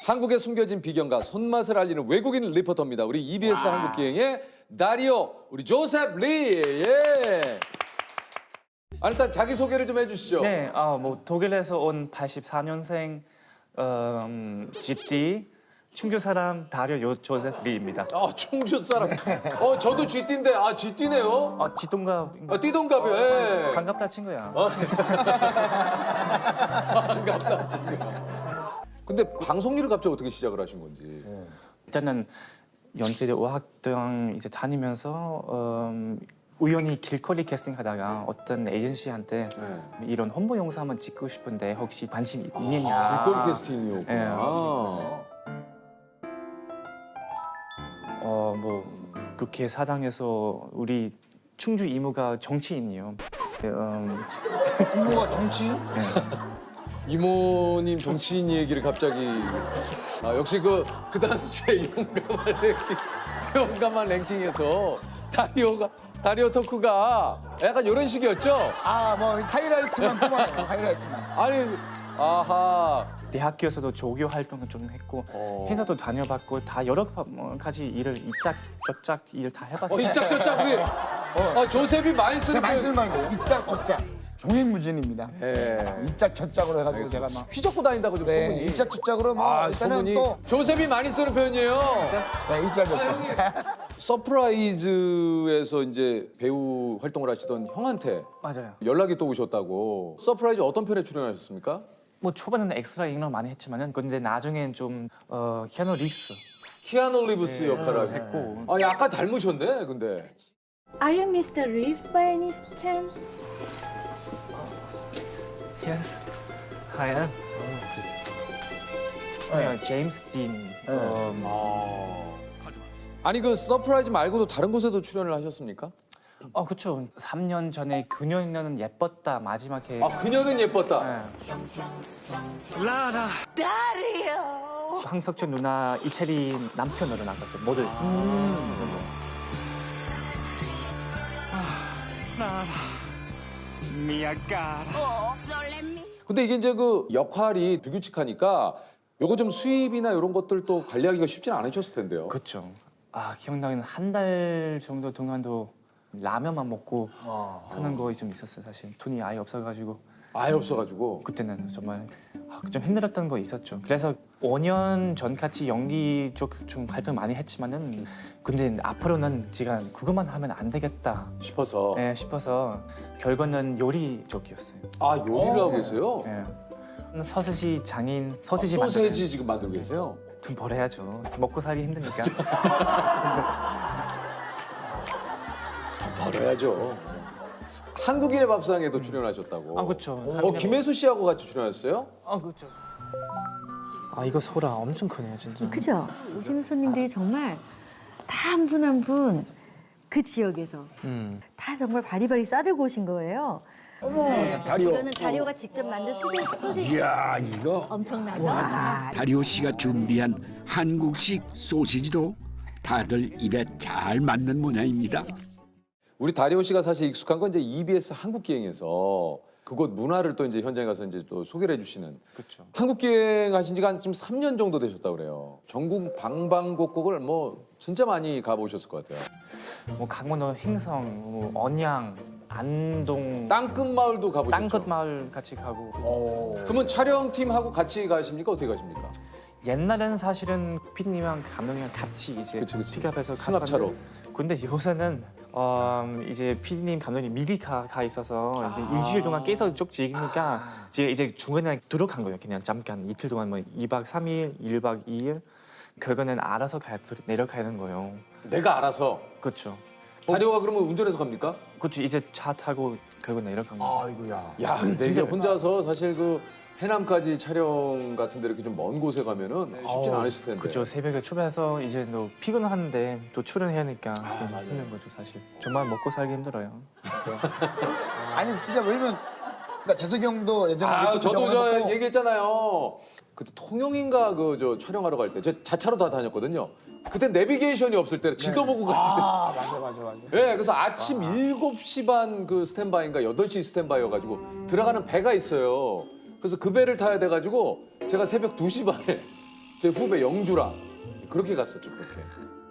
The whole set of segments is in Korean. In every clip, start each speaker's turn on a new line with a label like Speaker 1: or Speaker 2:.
Speaker 1: 한국의 숨겨진 비경과 손맛을 알리는 외국인 리포터입니다. 우리 EBS 한국기행의 다리오, 우리 조셉 리. 예. 일단 자기 소개를 좀 해주시죠.
Speaker 2: 네, 뭐 독일에서 온 84년생 GT 충주 사람 다리오 조셉 리입니다.
Speaker 1: 충주 사람. 저도 쥐띠인데, 쥐띠네요.
Speaker 2: 지동갑.
Speaker 1: 띠동갑이요. 예.
Speaker 2: 반갑다 친구야.
Speaker 1: 반갑다, 친구야. 근데 방송 일을 갑자기 어떻게 시작을 하신 건지.
Speaker 2: 일단은 연세대 어학당 이제 다니면서 우연히 길거리 캐스팅하다가 어떤 에이전시한테 이런 홍보 영상 한번 찍고 싶은데 혹시 관심 있느냐.
Speaker 1: 길거리 캐스팅이었구나.
Speaker 2: 뭐 그렇게 사당에서 우리 충주 이모가 정치인이요.
Speaker 3: 이모가 정치인?
Speaker 2: 네.
Speaker 1: 이모님 정치인 얘기를 갑자기 역시 그 당시에 용감한 랭킹에서 다리오 토크가 약간 이런 식이었죠?
Speaker 3: 뭐 하이라이트만 뽑아내요. 하이라이트만.
Speaker 1: 아니 아하.
Speaker 2: 대학교에서도 조교 활동을 좀 했고 행사도 다녀봤고 다 여러 가지 일을 이짝 저짝 일 다 해봤어요.
Speaker 1: 이짝저짝 우리 조셉이 많이 쓰는
Speaker 3: 제가 많이
Speaker 1: 표현.
Speaker 3: 쓰는 말이에요. 이짝 저짝. 종횡무진입니다.
Speaker 1: 예.
Speaker 3: 이짝 저짝으로 해가지고 제가 막.
Speaker 1: 휘젓고 다닌다고 좀
Speaker 3: 네,
Speaker 1: 소문이.
Speaker 3: 이짝 저짝으로 뭐 일단은
Speaker 1: 소문이.
Speaker 3: 또
Speaker 1: 조셉이 많이 쓰는 표현이에요.
Speaker 3: 네, 이짝 저짝.
Speaker 1: 서프라이즈에서 이제 배우 활동을 하시던 형한테
Speaker 2: 맞아요.
Speaker 1: 연락이 또 오셨다고. 서프라이즈 어떤 편에 출연하셨습니까?
Speaker 2: 뭐 초반에는 엑스트라 인을 많이 했지만은 근데 나중엔 좀 키아누 리브스
Speaker 1: 키아누 리브스 역할을 했고. 약간 닮으셨네, 근데.
Speaker 4: Are you Mr. Reeves by any chance?
Speaker 2: Yes, I am. 제임스 딘.
Speaker 1: 아니 그 서프라이즈 말고도 다른 곳에도 출연을 하셨습니까?
Speaker 2: 그렇죠. 3년 전에 그녀는 예뻤다 마지막에.
Speaker 1: 그녀는 예뻤다.
Speaker 2: 라라. 다리오. 황석준 누나 이태리 남편으로 나갔어요. 모델. 라라. 미야가라.
Speaker 1: 근데 이게 이제 그 역할이 불규칙하니까 요거 좀 수입이나 이런 것들도 관리하기가 쉽지는 않으셨을 텐데요.
Speaker 2: 그렇죠. 기억나는 한 달 정도 동안도 라면만 먹고 사는 거 좀 있었어요. 사실 돈이 아예 없어가지고
Speaker 1: 아예 없어가지고.
Speaker 2: 그때는 정말 좀 힘들었던 거 있었죠. 그래서 5년 전 같이 연기 쪽 좀 활동 많이 했지만은 근데 앞으로는 제가 그것만 하면 안 되겠다
Speaker 1: 싶어서.
Speaker 2: 싶어서 결과는 요리 쪽이었어요.
Speaker 1: 요리를 하고 계세요?
Speaker 2: 네. 서세지 장인 소시지
Speaker 1: 소세지 지금 만들고 계세요?
Speaker 2: 돈 벌어야죠. 먹고 살기 힘드니까.
Speaker 1: 돈 벌어야죠. 한국인의 밥상에도 출연하셨다고.
Speaker 2: 그렇죠.
Speaker 1: 김혜수 씨하고 같이 출연하셨어요?
Speaker 2: 그렇죠. 이거 소라 엄청 크네요, 진짜.
Speaker 5: 그죠? 오시는 손님들이 정말 다 한 분 한 분 그 지역에서 다 정말 바리바리 싸들고 오신 거예요.
Speaker 6: 다리오.
Speaker 5: 이거는 다리오가 직접 만든 소세지
Speaker 6: 이야, 이거
Speaker 5: 엄청나죠?
Speaker 6: 다리오 씨가 준비한 한국식 소시지도 다들 입에 잘 맞는 모양입니다.
Speaker 1: 우리 다리오 씨가 사실 익숙한 건 이제 EBS 한국기행에서 그곳 문화를 또 이제 현장에 가서 이제 또 소개를 해주시는.
Speaker 2: 그렇죠.
Speaker 1: 한국기행 하신 지가 한 지금 3년 정도 되셨다고 그래요. 전국 방방곡곡을 뭐 진짜 많이 가보셨을 것 같아요.
Speaker 2: 뭐 강원도 횡성, 뭐 언양, 안동,
Speaker 1: 땅끝 마을도 가보셨죠?
Speaker 2: 땅끝 마을 같이 가고.
Speaker 1: 그러면 촬영팀하고 같이 가십니까? 어떻게 가십니까?
Speaker 2: 옛날에는 사실은 피디님이랑 감독님이랑 같이 이제
Speaker 1: 그치.
Speaker 2: 픽업해서
Speaker 1: 승합차로.
Speaker 2: 갔었는데 근데 요새는 이제 피디님 감독님 미리 가 있어서 이제 일주일 동안 계속 쭉 찍으니까 이제 중간에 들어간 거예요. 그냥 잠깐 이틀 동안 뭐 2박 3일, 1박 2일 결과는 알아서 내려가는 거예요.
Speaker 1: 내가 알아서.
Speaker 2: 그렇죠.
Speaker 1: 다리오가 그러면 운전해서 갑니까?
Speaker 2: 그렇죠. 이제 차 타고 결국 내려간 거예요.
Speaker 3: 아이고야.
Speaker 1: 야, 근데 이게 혼자서 사실 그 해남까지 촬영 같은 데 이렇게 좀 먼 곳에 가면은 쉽진 않으실 텐데.
Speaker 2: 그렇죠. 새벽에 출발해서 이제 또 피곤한데 또 출연해야 하니까 힘든 거죠, 사실. 정말 먹고 살기 힘들어요.
Speaker 3: 아니 진짜 왜냐면 그러니까 재석이 형도 예전에
Speaker 1: 저도 저 얘기했잖아요. 그때 통영인가 그 저 촬영하러 갈 때 저 자차로 다 다녔거든요. 그때 내비게이션이 없을 때 지도 보고 갈 때.
Speaker 3: 맞아.
Speaker 1: 네, 그래서 아침 7시 반 그 스탠바이인가 8시 스탠바이여가지고 들어가는 배가 있어요. 그래서 그 배를 타야 돼가지고 제가 새벽 2시 반에 제 후배 영주랑 그렇게 갔었죠. 그렇게.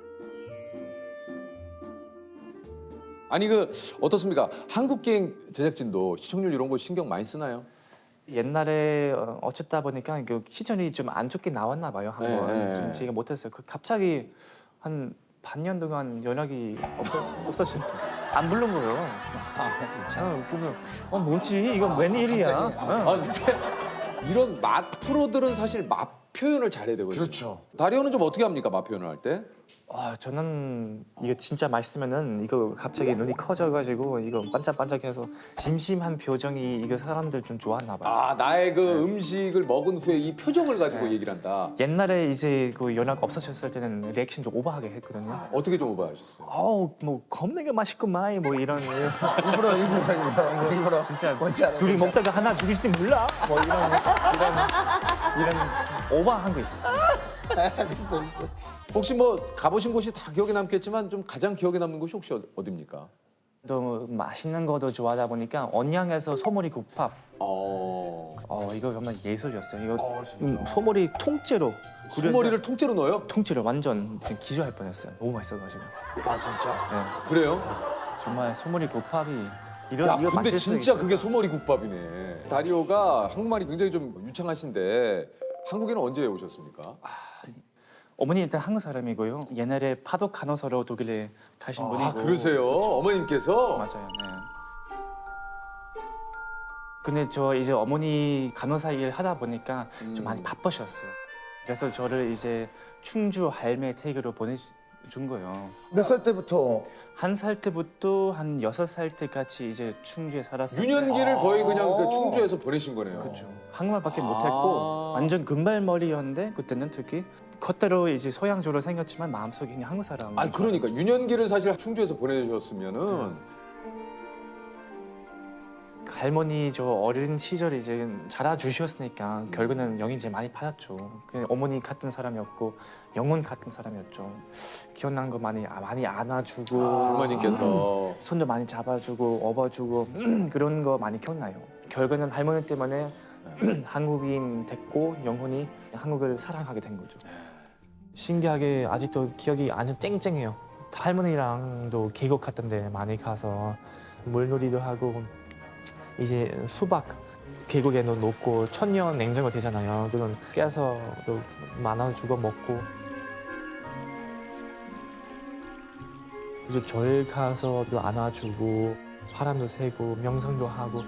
Speaker 1: 아니 그 어떻습니까? 한국기행 제작진도 시청률 이런 거 신경 많이 쓰나요?
Speaker 2: 옛날에 어쨌다 보니까 그 시청률이 좀 안 좋게 나왔나 봐요. 한번
Speaker 1: 네.
Speaker 2: 좀 제가 못했어요. 갑자기 한 반년 동안 연락이 없어진 안 부른 거예요.
Speaker 3: 진짜.
Speaker 2: 그래서 뭐지 이거 웬일이야?
Speaker 1: 아 근데 이런 맛 프로들은 사실 맛 표현을 잘해야 되거든요.
Speaker 3: 그렇죠.
Speaker 1: 다리오는 좀 어떻게 합니까? 맛 표현을 할 때?
Speaker 2: 저는 이거 진짜 맛있으면은 이거 갑자기 눈이 커져가지고 이거 반짝반짝해서 심심한 표정이 이거 사람들 좀 좋아하나 봐요.
Speaker 1: 아 나의 그 음식을 먹은 후에 이 표정을 가지고 얘기를 한다.
Speaker 2: 옛날에 이제 그 연락 없어졌을 때는 리액션 좀 오버하게 했거든요.
Speaker 1: 어떻게 좀 오버하셨어요?
Speaker 2: 뭐 겁나게 맛있구만 뭐 이런
Speaker 3: 일부러.
Speaker 2: 진짜
Speaker 3: 뭔지 알아요.
Speaker 2: 둘이 먹다가 하나 죽일지 몰라 뭐 이런 오버한 거 있었어요.
Speaker 3: 있어.
Speaker 1: 혹시 뭐 가보신 곳이 다 기억에 남겠지만 좀 가장 기억에 남는 곳이 혹시 어디입니까?
Speaker 2: 또 맛있는 거도 좋아하다 보니까 언양에서 소머리 국밥. 이거 정말 예술이었어요. 이거 소머리 통째로
Speaker 1: 소머리를 통째로 넣어요?
Speaker 2: 통째로 완전 기절할 뻔했어요. 너무 맛있어가지고.
Speaker 3: 아 진짜.
Speaker 1: 그래요?
Speaker 2: 정말 소머리 국밥이
Speaker 1: 야
Speaker 2: 이거
Speaker 1: 근데
Speaker 2: 맛있을 수
Speaker 1: 진짜
Speaker 2: 있어요.
Speaker 1: 그게 소머리 국밥이네. 다리오가 한국말이 굉장히 좀 유창하신데 한국에는 언제 오셨습니까?
Speaker 2: 어머니 일단 한국 사람이고요. 옛날에 파독 간호사로 독일에 가신 분이고.
Speaker 1: 아 그러세요? 어머님께서?
Speaker 2: 맞아요. 네. 근데 저 이제 어머니 간호사 일 하다 보니까 좀 많이 바쁘셨어요. 그래서 저를 이제 충주 할매 댁으로 보내준 거예요.
Speaker 3: 몇 살 때부터?
Speaker 2: 1살 때부터 한 6살 때까지 이제 충주에 살았어요.
Speaker 1: 유년기를 거의 그냥 그 충주에서 보내신 거네요.
Speaker 2: 그렇죠. 한국말밖에 못했고 완전 금발머리였는데 그때는 특히 겉대로 이제 서양적으로 생겼지만 마음속에 그냥 한국 사람.
Speaker 1: 아니 그러니까 유년기를 사실 충주에서 보내셨으면은
Speaker 2: 할머니 저 어린 시절에 이제 자라주셨으니까 결국에는 영이 이제 많이 받았죠. 그냥 어머니 같은 사람이었고 영혼 같은 사람이었죠. 기억난 거 많이 안아주고
Speaker 1: 할머님께서
Speaker 2: 손도 많이 잡아주고 업어주고 그런 거 많이 기억나요. 결국에는 할머니 때문에 한국인 됐고 영혼이 한국을 사랑하게 된 거죠. 신기하게 아직도 기억이 아주 쨍쨍해요. 할머니랑도 계곡 같은 데 많이 가서 물놀이도 하고 이제 수박 계곡에 놓고 천년 냉장고 되잖아요. 그런 깨서 또 나눠주고 먹고 그리고 절 가서 또 안아주고 바람도 쐬고 명상도 하고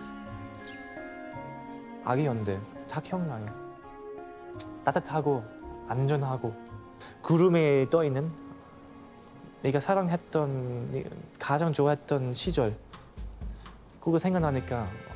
Speaker 2: 아기였는데 다 기억나요. 따뜻하고 안전하고 구름에 떠 있는 내가 사랑했던 가장 좋아했던 시절 그거 생각나니까